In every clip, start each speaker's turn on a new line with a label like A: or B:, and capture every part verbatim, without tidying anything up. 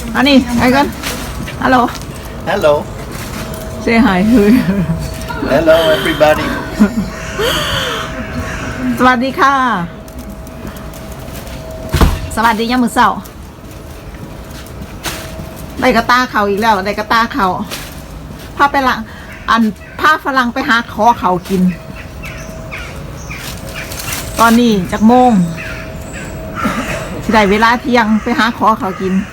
A: อันนี้ไอ้กันฮัลโหล
B: Hello.
A: say hi
B: Hello, everybody.
A: สวัสดีค่ะสวัสดียามมื้อเช้าได้กระตาเขาอีกแล้วได้กระตาเขาพาไปละอันพาฝรั่งไปหาขอเขากิน ตอนนี้จักโมงสิได้เวลาเที่ยงไปหาขอเขากิน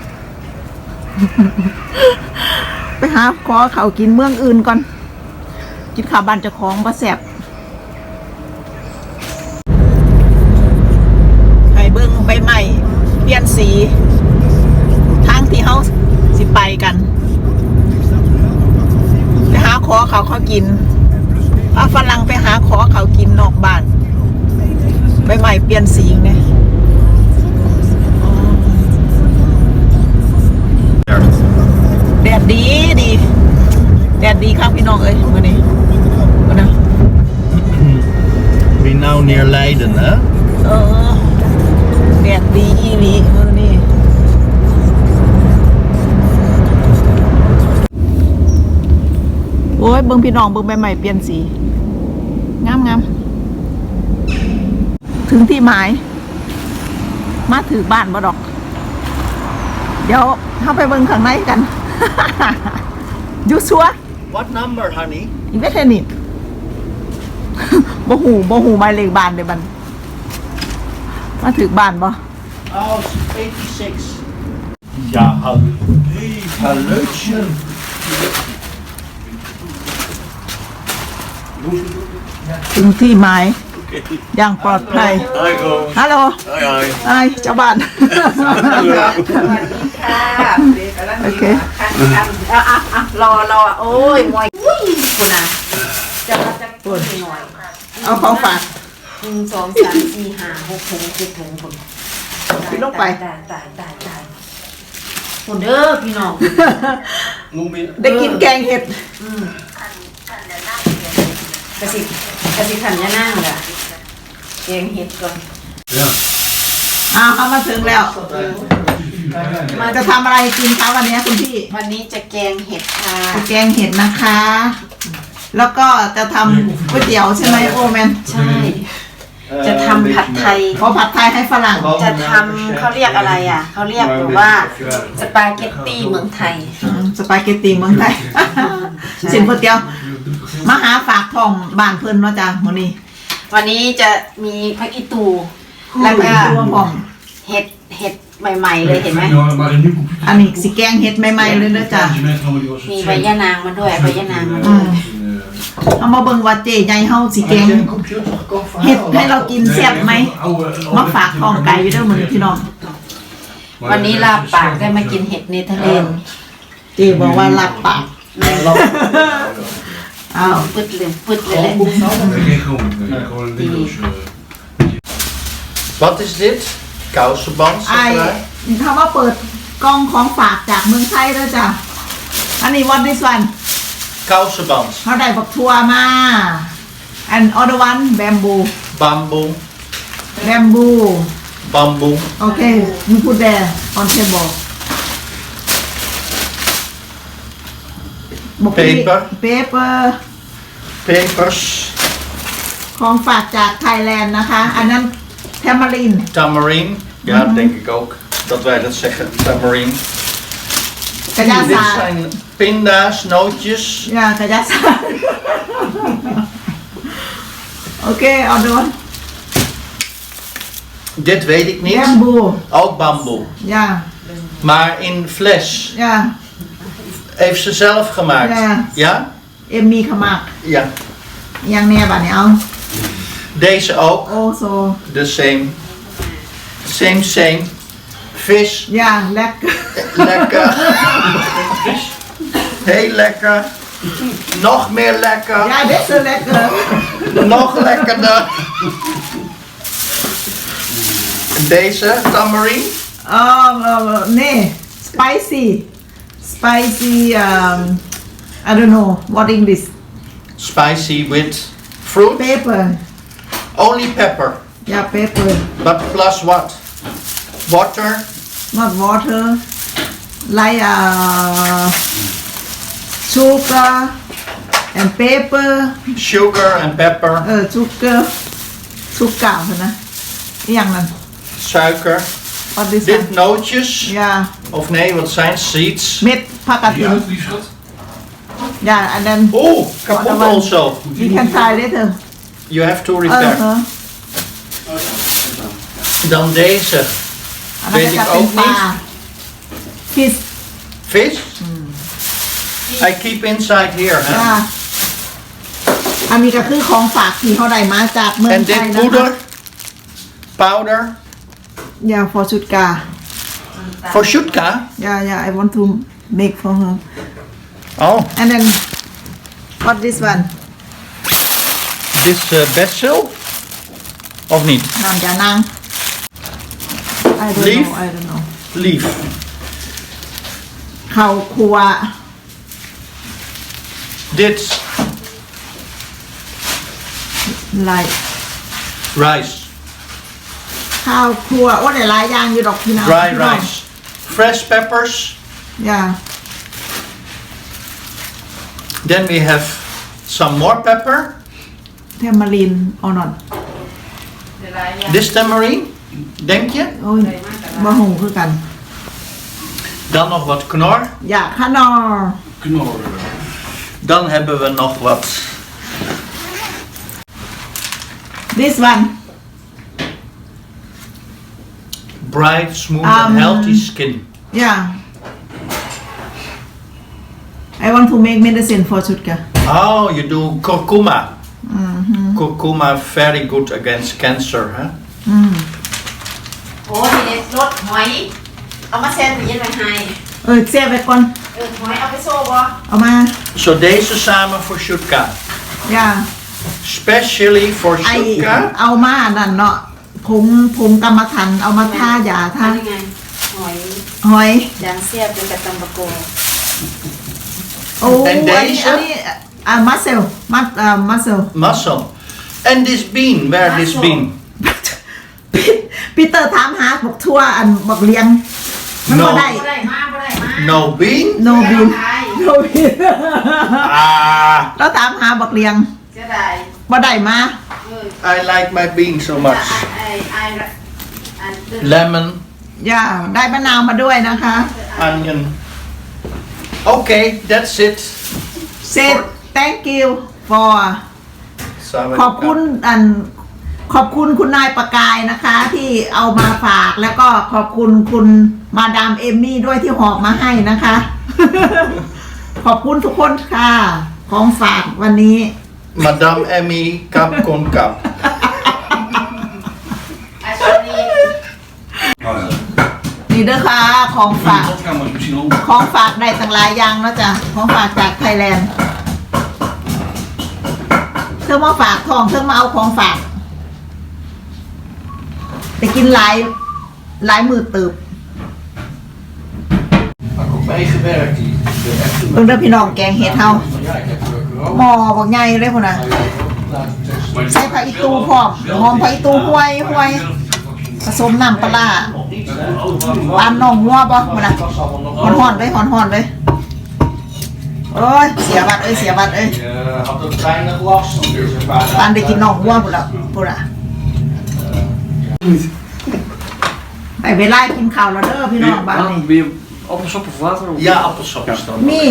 A: ไปหาขอเขากินเมืองอื่นก่อนกินข้าวบ้านเจ้าของบ่แซ่บให้เบิ่งใบไม้เปลี่ยนสีทางที่เฮาสิไปกันไปหาขอเขาเขากินพาฝรั่งไปหาขอเขากินนอกบ้านใบไม้เปลี่ยนสีเนี่ยแดดดีดีแดดดีครับพี่น้องเอ้ยมื้อนี้มื้อนะ
B: We now near Leiden, hè?
A: เออแดดดีอีหลีมื้อนี้โอ้ยเบิ่งพี่น้องเบิ่งใบไม้เปลี่ยนสีงามงามถึงที่หมายมาถือบ้านบ่ดอกเดี๋ยวเข้าไปเบิ่งข้างในกัน อยู่ชัว
B: What number, honey?
A: อีเวทนิต บ่หูบ่หูหมายเลขบ้านเด้อบัดมาถือบ้านบ่
B: Oh, eighty-six. Ja, hallo. Hey, hallootje.
A: ถึงที่หมายอย่างปลอดภัย
B: Hoi, Ro.
A: ฮัลโหล
B: Hoi, hoi.
A: ไอ้เจ้าบ้าน โอเคอ่ะอ่ะอ่ะรอรอโอ้ยมวยคุณอ่ะ
C: จะมาจะปวดหน่อย
A: เอาของฝาก
C: หนึ่งสองสามสี่ห้าหกถุงเจ็ดถุงคน
A: พี่ลงไป
C: ตายตายตายตายคนเด้อพี่น้อง
A: ได้กินแกงเห็ด
C: อืมกระสิกระสิขันยานั่งล่ะแกงเห็ดก่อน
A: อ้าวเขามาถึงแล้วมาจะทำอะไรกินคะวันนี้คุณพี่
C: วันนี้จะแกงเห็ดค่ะ
A: แกงเห็ดนะคะ แล้วก็จะทำก๋วยเตี๋ยวใช่ไหมโอแมน
C: ใช่ จะทำผัดไทย
A: ขอผัดไทยให้ฝรั่ง
C: จะทำเขาเรียกอะไรอ่ะเขาเรียกแบบว่าสปาเกตตี้เมืองไทย
A: อืมสปาเกตตีเมืองไทย สินก๋วยเตี๋ยวมาหาฝากทองบ้านเพิ่นเนาะจ้ะมื้อนี้
C: วันนี้จะมีผักอีตูแล้วก็
A: รวมพร้อม
C: เห็ดเห็ดใหม่ๆเลยเห็นไหม
A: อันนี้สิแกงเห็ดใหม่ๆเลยเด้อจ้ะ
C: มีใบยะนางมาด้วยใบยะนางมา
A: อื
C: ด้วย
A: มเอามาเบิ่งว่าเจ๊ใหญ่เฮาสิแกงเห็ดให้เรากินแซ่บไหมมาฝากทองไก่อยู่เด้อมื้อนี้พี่น้อง
C: วันนี้ลาบปากได้มากินเห็ดเนเธอร์แลนด์
A: เจ๊บอกว่ารับปากอ้าว
C: ปึดเลยปึดเลยแหละ
B: Wat is dit? Kousenband,
A: ไอ้
B: zeg maar.
A: คำว่าเปิดกล่องของฝากจากเมืองไทยเด้อจ้ะอันนี้ what this one
B: Kousenband.
A: เขาได้บักทัวมา and other one bamboo
B: Bamboe.
A: bamboo
B: Bamboe.
A: okay you put there on table
B: Paper
A: paper
B: Papers.
A: ของฝากจากไทยแลนด์นะคะ อันนั้นแทมาริน
B: Tamarine. Ja, denk ik ook. Dat wij dat zeggen. Tamarine.
A: กระยา
B: Dit
A: ศาสตร์
B: zijn pinda's, nootjes.
A: ยากระยาศาสตร์โอเคเอาดู
B: Dit weet ik niet.
A: แบมบู
B: Ook bamboe.
A: ยา
B: Maar in fles.
A: ยา
B: Heeft ze zelf gemaakt.
A: Ja.
B: Ja?
A: เอ็มมีขมัก
B: Ja.
A: ยังแน่บัดนี้เอา
B: Deze ook.
A: โอ้โซ
B: The same. Same, same. Vis.
A: ยาแลก
B: Lekker. Heel lekker. Nog meer lekker.
A: ยาเด็ดเซอร์แลกเกอร์
B: Nog lekkerder. Deze tamarine.
A: อ๋อเน่ spicy spicy um I don't know what English
B: Spicy with fruit.
A: pepper
B: Only pepper.
A: ยา pepper
B: But plus what? Water.
A: not water like uh, sugar and pepper
B: Sugar and pepper,
A: เออ sugar สุกเก่านะอหย่างนั้น
B: suiker.
A: what this
B: Dit
A: one
B: nootjes.
A: yeah
B: Of nee, wat zijn seeds?
A: เม็ดผักกาดหิน
D: die schat.
A: yeah and then
B: Oeh, kapot
A: Wat dan?
B: also.
A: you can try later
B: You have to
A: เออ
B: repair.
A: เออ
B: Dan deze.
A: อันนั้น
B: Weet
A: ก็
B: ik
A: จะเป็น
B: ook
A: ปลา
B: niet.
A: fish
B: Vis? I keep inside here. Hè?
A: อ่าอันนี้ก็คือของฝากที่เขาได้มาจากเมือง
B: En
A: ไทย
B: dit
A: นะคะ
B: poeder. Powder.
A: ยา for ชุดกา
B: Voor Shutka.
A: ยายา I want to make for her
B: Oh,
A: and then what this one
B: dit is uh, basil. Of niet?
A: น้ำยานาง I don't
B: Leaf?
A: know I don't know
B: Lief.
A: ข้าวคั่ว
B: Dit.
A: like
B: Rice.
A: ข้าวคั่วโอ้ได้หลายอย่างอยู่ดอกพี่น้อง
B: Dry rice. Fresh peppers.
A: ยา
B: Then we have some more pepper.
A: เทมมารินออนอน
B: This tamarind. Denk je?
A: โอ้ยบะหงคือกัน
B: Dan nog wat knor.
A: อยากขนอ
D: Knor.
B: Dan hebben we nog wat
A: this one
B: bright, smooth
A: Um,
B: and healthy skin.
A: yeah I want to make medicine for ชุดกา
B: Oh, you do curcuma. Curcuma very good against cancer, huh?
C: โอ้ทีนี้รสหอย เอามาแซนด์วิชไว้ให้
A: เออเสียไปก่อน
C: เออหอยเอาไปโซ่บ่
A: เอามา
B: Zo deze samen voor Shutka.
A: อย่า
B: Specially for
A: ไอ
B: Shutka.
A: เอามานั่นเนาะผงผงกรรมฐานเอามาท่ายาท่า
C: ทำยังไงหอย
A: หอย
C: ยางเสียบเป็นกับตำบะโก
A: โอ้
B: And
A: อันนี้
B: deze?
A: อันนี้อ่ามัสเซลมัสอ่ามัสเซล
B: Muscle. And this bean, where this
C: Muscle.
B: bean?
A: ปีเตอร์ถามหาบอกทั่วอันบอกเลี้ยงมันบ่
B: No.
A: ได้
C: บ่ได้มาบ่ได้มา
B: No bean?
A: โนบิน
C: เสียดาย
A: โนบิน
B: Ah,
A: แล้วถามหาบอกเลี้ยง
C: เสียดาย
A: บ่ได้มา
C: เออ
B: I like my bean so
C: จะ
B: much.
C: ไอ้ไอ้ไอ้เดิน
B: Lemon,
A: อย่าได้มะนาวมาด้วยนะคะ
B: onion. Okay, that's it.
A: เซต thank you for ขอบคุณอันขอบคุณคุณนายประกายนะคะ ที่เอามาฝากแล้วก็ขอบคุณคุณมาดามเอมมี่ด้วยที่หอบมาให้นะคะ ขอบคุณทุกคนค่ะ ของฝากวันนี้
B: Madame Emmy, kap kon kap.
C: ไอ้ตอนนี้
D: Oh ja.
A: นี่เด้อค่ะของฝาก
D: Dat gaan we misschien ook.
A: ของฝากได้ต่างหลายอย่างแล้วจ้ะของฝากจากไทยแลนด์เธอมาฝากทองเธอมาเอาของฝากไปกินหลายหลายมือตืบ
D: Waar ik ook meegewerkt. Die de echte.
A: เบิ่งเด้อพี่น้องแกงเห็ดเฮา
D: Maar ja, ik heb er ook
A: หม้อบอกใหญ่เลยพุ่นน่ะ ใส่ผักอีตูพร้อมหอมผักอีตูห้วยห้วยผสมน้ำปลาร้าปานน้องงัวบ่พุ่นน่ะฮ้อนๆเลยฮ้อนๆเลยโอ้ยเสียบัดเอ้ยเสียบัดเอ้ย
B: Je had ook weinig last van deze
A: ปานได้กินน้องงัวพุ่นล่ะพุ่นน่ะไปเวลากินข้าวแล้วเด้อพี่น้องบ้านนี้
E: Weer appelsap of water? Of
B: Ja, appelsap is dan.
A: มี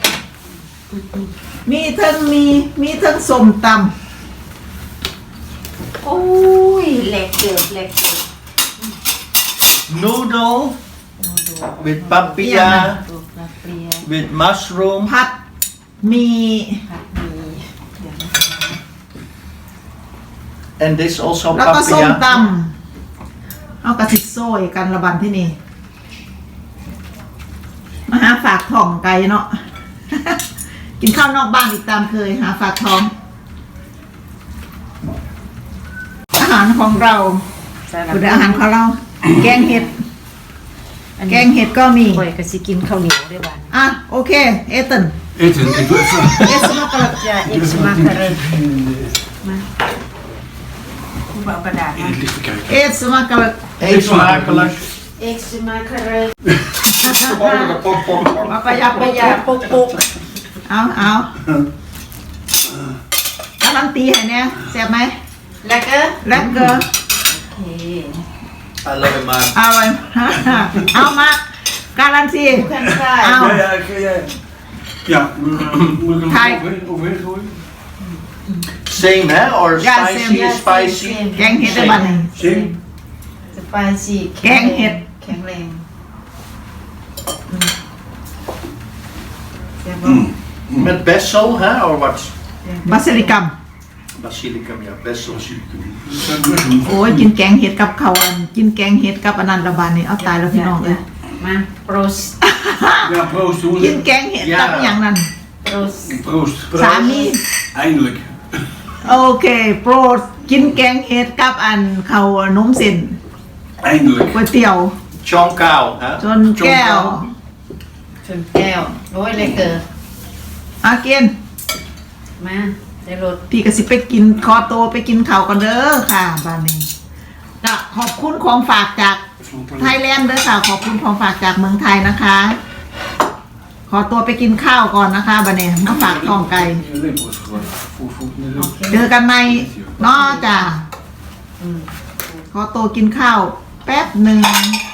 A: มีเทั้งมีมีเทั้งส้มตำ
C: โอ้ยเหล็กเกิดเหล็กเกิด
B: Noodle with
A: เปรี้ยวนะ
B: papaya,
C: ตัวปลาเปรีย
B: with mushroom.
A: ผัดมี
C: ผัดหมีเดี๋ยวนะ
B: And this also
A: แล้วก็ส้มต
B: papaya.
A: ำเอากระติกโซ่กันระบันที่นี่มาหาฝากทองไก่เนาะ กินข้าวนอกบ้านอีกตามเคยหาฝากทอง อาหารของเรา
C: สลัด
A: คืออาหารของเรา แกงเห็ด แกงเห็ดก็มี
C: ข่อยก็สิกินข้าวเหนียวด้วยบ้าน
A: อ่ะโอเค เอตัน
D: Eten, ik doe even.
A: เอสมากระ
C: จะเอ็กซ์มาคาเรนมาคุณเอากระดาษมา
D: In het licht bekijken.
A: เอสมากระ
B: Eet smakelijk.
C: เอ็กซ์มาคาร์
A: มาประหยัด
C: ป
A: ประ ระ
C: ห
A: ห
C: ยั
A: ยั
C: ด
A: ด
C: ปุกปุก
A: เอาเอาการันตีให้เนี่ยแซ่บไหม
C: แล้วก็
A: แล้วก็
C: โอเค
B: I love it man
A: เอาไป เอามาการันตี
C: แคนฟราย
A: เอา
D: Ja, ja, ik, ja. Ja, moet moet ik hem
A: Kijk.
D: overheen, overheen gooien?
B: Same hè or
A: Ja,
B: spicy
A: same.
C: Ja,
B: spicy
C: same,
A: แกงเห็ดได้บ้านนี่
D: Zin?
C: สไปซี่
A: แกงเห็ด
C: แข็งแรงเดี๋ยว
B: Met basil hè or what
A: บาซิลิกัม
B: basilicum ja basil
D: Dat zijn muslim.
A: โอ้ยกินแกงเห็ดกับข้าวอันกินแกงเห็ดกับอันนันระบาดนี่เอาตายแล้วพี่น้องเลย
C: มาโปรส
D: Ja, proost
A: กิน
D: jongens.
A: แกงเห็ดกับอหย่างนั้น
C: โปรส
D: Proost.
A: สามี
D: Eindelijk.
A: โอเคโปรดกินแกงเห็ดกับอันข้าวนมเส้น
D: Eindelijk.
A: ก๋วยเตี๋ยว
B: chong cow hè
A: จนแก้ว
C: ชนแก้วโอ้ยเลยเกิด
A: อาเกิน
C: มาได้รถ
A: พี่ก็สิไปกินคอโตไปกินข้าวกันเด้อค่ะบ้านนี้ก็ขอบคุณของฝากจากไทยแลนด์เด้อค่ะขอบคุณของฝากจากเมืองไทยนะคะ ขอตัวไปกินข้าวก่อนนะคะบ้านนี้มาฝากท้องไก่
D: Je lepel is geworden. Voer, voer, in de
C: โอ
D: lucht.
C: เค
A: เจอกันในนอกจ้ะ
C: อืม
A: ขอตัวกินข้าวแป๊บหนึ่ง